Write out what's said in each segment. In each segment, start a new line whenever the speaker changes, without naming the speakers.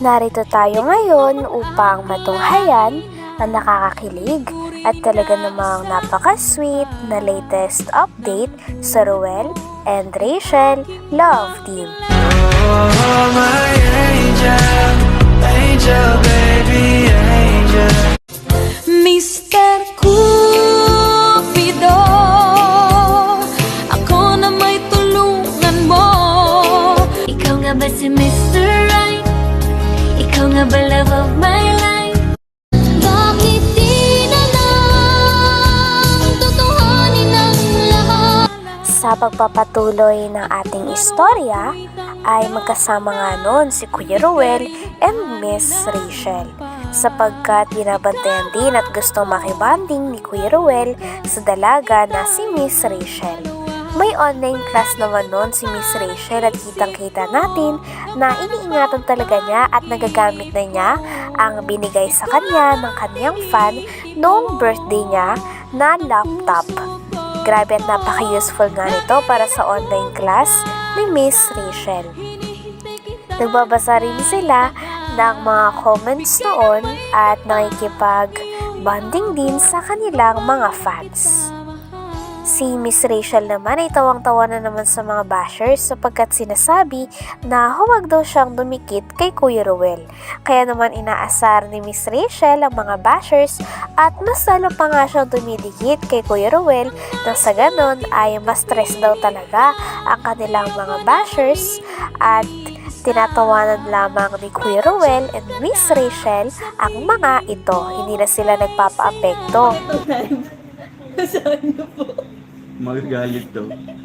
Narito tayo ngayon upang matunghayan ang nakakakilig at talaga namang napaka-sweet na latest update sa Ruel and Rachel Love Team.
Oh, my angel, angel, baby, angel.
Mr. Cupido, ako na may tulungan mo. Ikaw nga ba si Mr. Right? Ikaw nga ba love of my life? Bakit di na lang tutuhanin ang lahat?
Sa pagpapatuloy ng ating istorya ay magkasama nga noon si Kuya Ruel and Miss Rachel, sapagkat binabantayan din at gusto makibanding ni Kuya Ruel sa dalaga na si Miss Rachel. May online class naman noon si Miss Rachel at kitang-kita natin na iniingatan talaga niya at nagagamit na niya ang binigay sa kanya ng kanyang fan noong birthday niya na laptop. Grabe at napaka-useful nga nito para sa online class ni Miss Rachel. Nagbabasa rin sila ng mga comments noon at nakikipag-bonding din sa kanilang mga fans. Si Miss Rachel naman ay tawang-tawa na naman sa mga bashers sapagkat sinasabi na huwag daw siyang dumikit kay Kuya Ruel. Kaya naman inaasar ni Miss Rachel ang mga bashers at mas lalo pa nga siyang dumidikit kay Kuya Ruel nang sa ganon ay mas stress daw talaga ang kanilang mga bashers at tinatawanan lamang ni Kuya Ruel and Miss Rachel ang mga ito. Hindi na sila nagpapa-apekto.
Saan niyo po?
Magagalit to.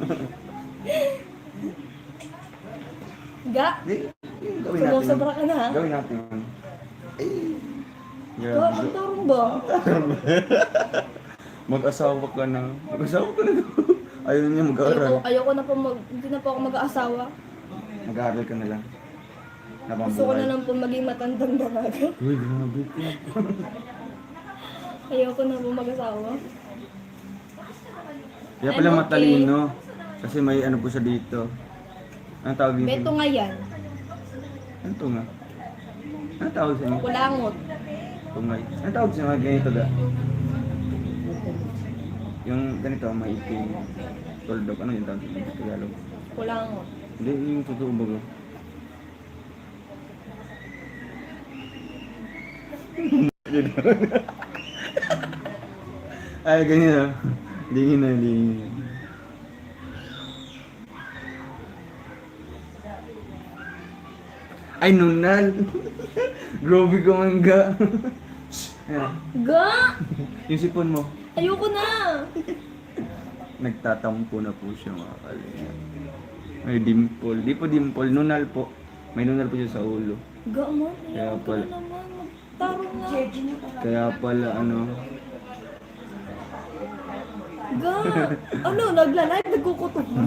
Ga?
Di, gawin natin.
Sumusobra ka na ha?
Gawin natin. Ay.
Ito,
Grabe.
ang tarong ba?
Mag-asawa ka na. Mag-asawa ka na. Ayaw niya mag-aaral.
Ayoko na po hindi na po ako mag-aasawa.
Mag-aaral ka na lang.
Gusto ko na
Nabambuhay.
lang po maging matandang dalaga.
Uy, grabe ko.
Ayoko na po mag-asawa.
Kaya pala
I'm okay.
matalino. Kasi may ano po siya dito. Anong tawag dito?
Beto nga yan.
Ano to nga? Anong tawag sa inyo?
Kulangot.
Tungay. Anong tawag sa mga ganito ga? Yung ganito, may iting tuldok. Ano yung tawag sa inyo? Tagalog.
Kulangot.
Hindi, yung totoo ba ko? Ay, ganyan. Dingin na, dingin. Ay, nunal. Grabe ka man ga. Ayan.
Ga!
Yung sipon mo.
Ayoko na!
Nagtatampo na po siya mga kalinga. May dimple. Di po dimple, nunal po. May nunal po siya sa ulo.
Ga mo?
Kaya
Ayoko
pala.
na naman. Magtarong na.
Kaya pala ano.
Ga! Ano? Nagla-live? Nagkukutok mo?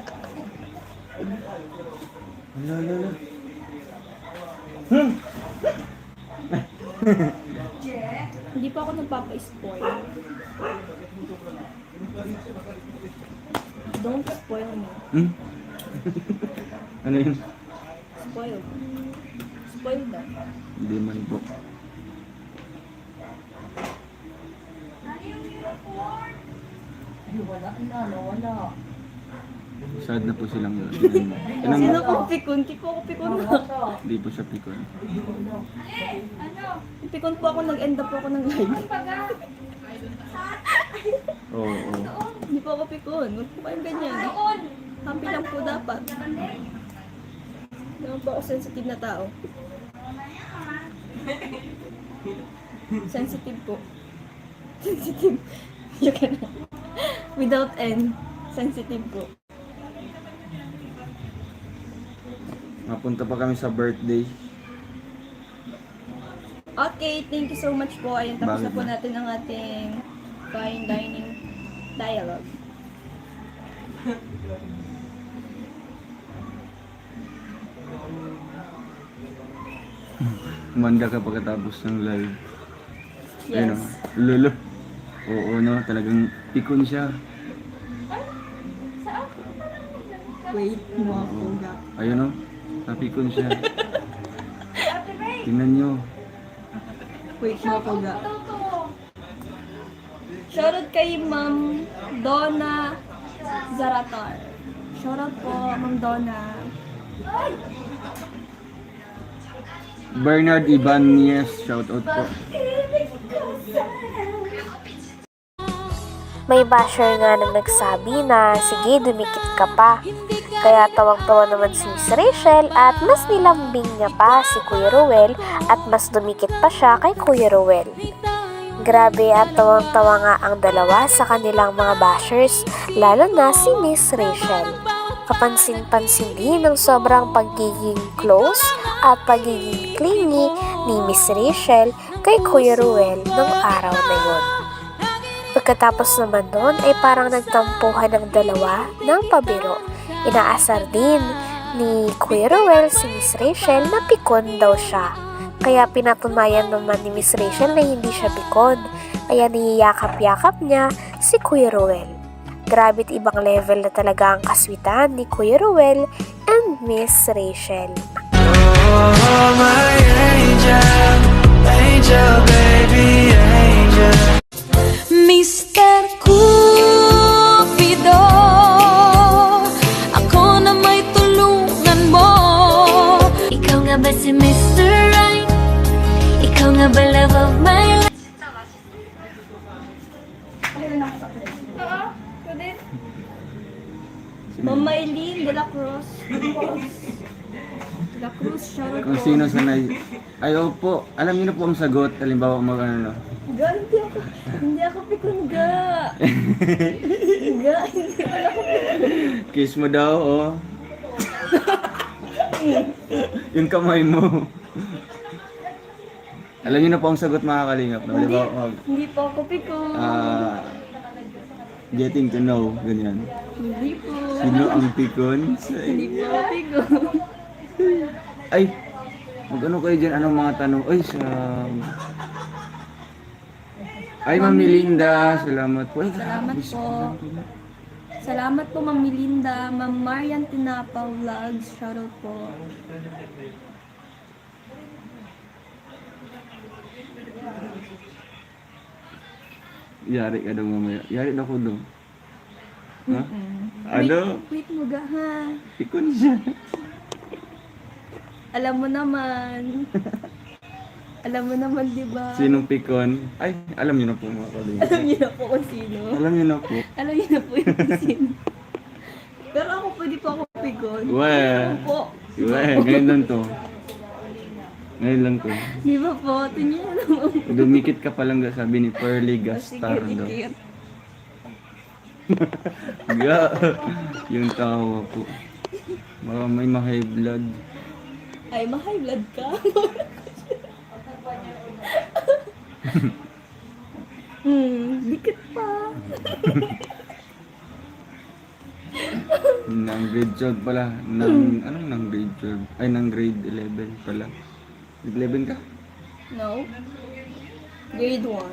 Ala.
Hindi pa ako nagpapa-spoil. Don't spoil me.
Hmm? Ano yun?
Spoil. Spoil daw.
Hindi man po.
Wala.
Sad na po silang yun. Tingnan mo. Tingnan
Sino
mo.
ko pikon? Di po ako pikon na.
Hindi po siya pikon.
Pikon po ako, nag-end up po ako ng live.
Oo.
Hindi po ako pikon. Huwag po kayong ganyan. Happy lang po dapat. Naman po ako sensitive na tao. Sensitive po. Sensitive. You can. Without N. Sensitive po.
Mapunta pa kami sa birthday.
Okay, thank you so much po. Ayun, tapos na
Bakit
po
ba?
natin ang ating fine dining dialogue.
Umanda ka pagkatapos ng live.
Yes.
Ayun o. Lolo. Oo no, talagang pikon siya.
Wait, mo ako.
Ayun o. Napikon siya. Tingnan nyo.
Wait, mga kuga. Shoutout kay Ma'am Donna Zaratar. Shoutout po, Ma'am Donna.
Bernard Ibanez, shoutout po.
May basher nga na nagsabi na, sige, dumikit ka pa. Kaya tawag-tawa naman si Miss Rachel at mas nilambing niya pa si Kuya Ruel at mas dumikit pa siya kay Kuya Ruel. Grabe at tawang-tawa nga ang dalawa sa kanilang mga bashers, lalo na si Miss Rachel. Kapansin-pansin din ang sobrang pagiging close at pagiging clingy ni Miss Rachel kay Kuya Ruel nung araw na yun. Pagkatapos naman nun ay parang nagtampuhan ng dalawa ng pabiro. Inaasar din ni Kuya Ruel si Miss Rachel na pikon daw siya. Kaya pinatunayan naman ni Miss Rachel na hindi siya pikon. Kaya niyayakap-yakap niya si Kuya Ruel. Grabe't ibang level na talaga ang kaswitan ni Kuya Ruel and Miss Rachel.
Oh, my angel, angel, baby, angel.
Mr. Cupido, ako na may tulungan mo. Ikaw nga ba si Mr. Right? Ikaw nga ba love of my life?
Ma'am Maylene de la Cruz. De la Cruz, shoutout
Kung
po.
sino sanay. Ay, opo. Alam niyo na po ang sagot. Halimbawa, ano.
Ga, hindi ako pikon ga. Ga, hindi ako pikon.
Kiss mo daw, oh. Yung kamay mo. Alam niyo na po ang sagot, mga kalingap. No? Halimbawa,
Hindi po ako pikon.
getting to know, ganyan.
Hindi po.
Sino ang pikon?
Hindi po ako pikon.
Ay, mag-ano kayo dyan? Anong mga tanong? Ay, Ay, Ma'am Melinda, salamat po. Ay,
Salamat
grabe,
po. Salamat po, Ma'am Melinda. Ma'am Marian Tinapa Vlogs, shoutout po.
Yari ka daw mamaya. Yari na ko daw. Ha? Ano?
Wait mo ga ha.
Pikon siya.
Alam mo naman. Alam mo naman, di ba?
Sinong pikon? Ay, alam niyo na po mga kalingap.
Alam niyo na po kung sino.
Alam niyo na po.
Alam niyo na po yung kung sino. Pero ako pwede po ako pigon.
Well,
Ako po.
ngayon lang to. Ngayon lang to.
Di ba po? Tingnan niyo naman.
Dumikit ka pa lang sabi ni Pearly
Sige,
Gastar daw.
dikit.
Ga, yung tawa po. Baka may ma-high blood.
Ay, ma-high blood ka. Dikit pa.
Nang grade 12 pala. Anong nang grade 12? Ay, nang grade 11 pala. Grade 11 ka?
No. Grade 1.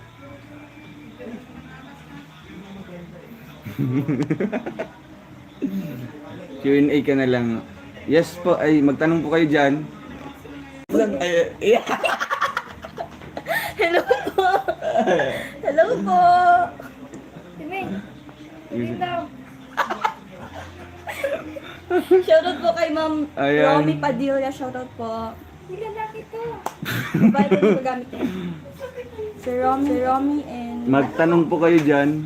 Q&A ka na lang. Yes po, ay magtanong po kayo dyan.
Hello po. Hello po. Shoutout po kay Ma'am
Ayan.
Romy Padilla. Shoutout po. Hindi lalaki to. Babae po yung magamit ko. Si Romy and...
Magtanong po kayo dyan.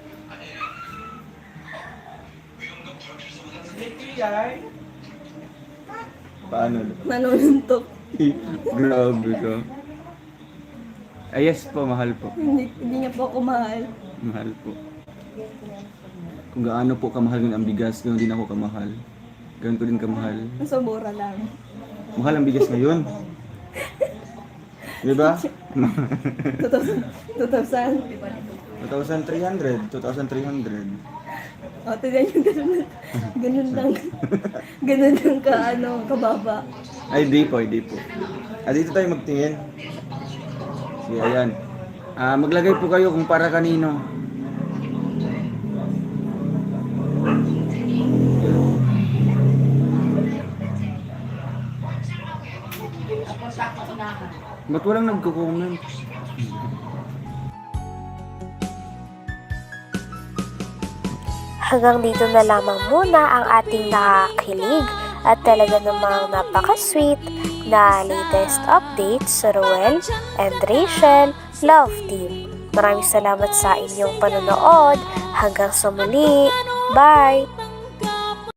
Paano?
Nanununtok.
Grabe ka. Ay, yes po, mahal po.
Hindi niya po ako mahal.
Mahal po. Kung gaano po kamahal yun ang bigas, ganoon din ako kamahal. Ganoon ko din kamahal.
Nasa mura lang.
Mahal ang bigas ngayon. Di ba?
2,000.
2,300. 2,300.
O, tignan nyo, ganun lang. Ganun lang ka, kababa.
Ay, di po, di po. Dito tayo magtingin. Sige, ayan. Maglagay po kayo kung para kanino. Ba't walang nagko-comment?
Hanggang dito na lamang muna ang ating nakakilig at talaga namang napaka-sweet na latest updates sa Ruel and Rachel Love Team. Maraming salamat sa inyong panonood. Hanggang sa muli. Bye!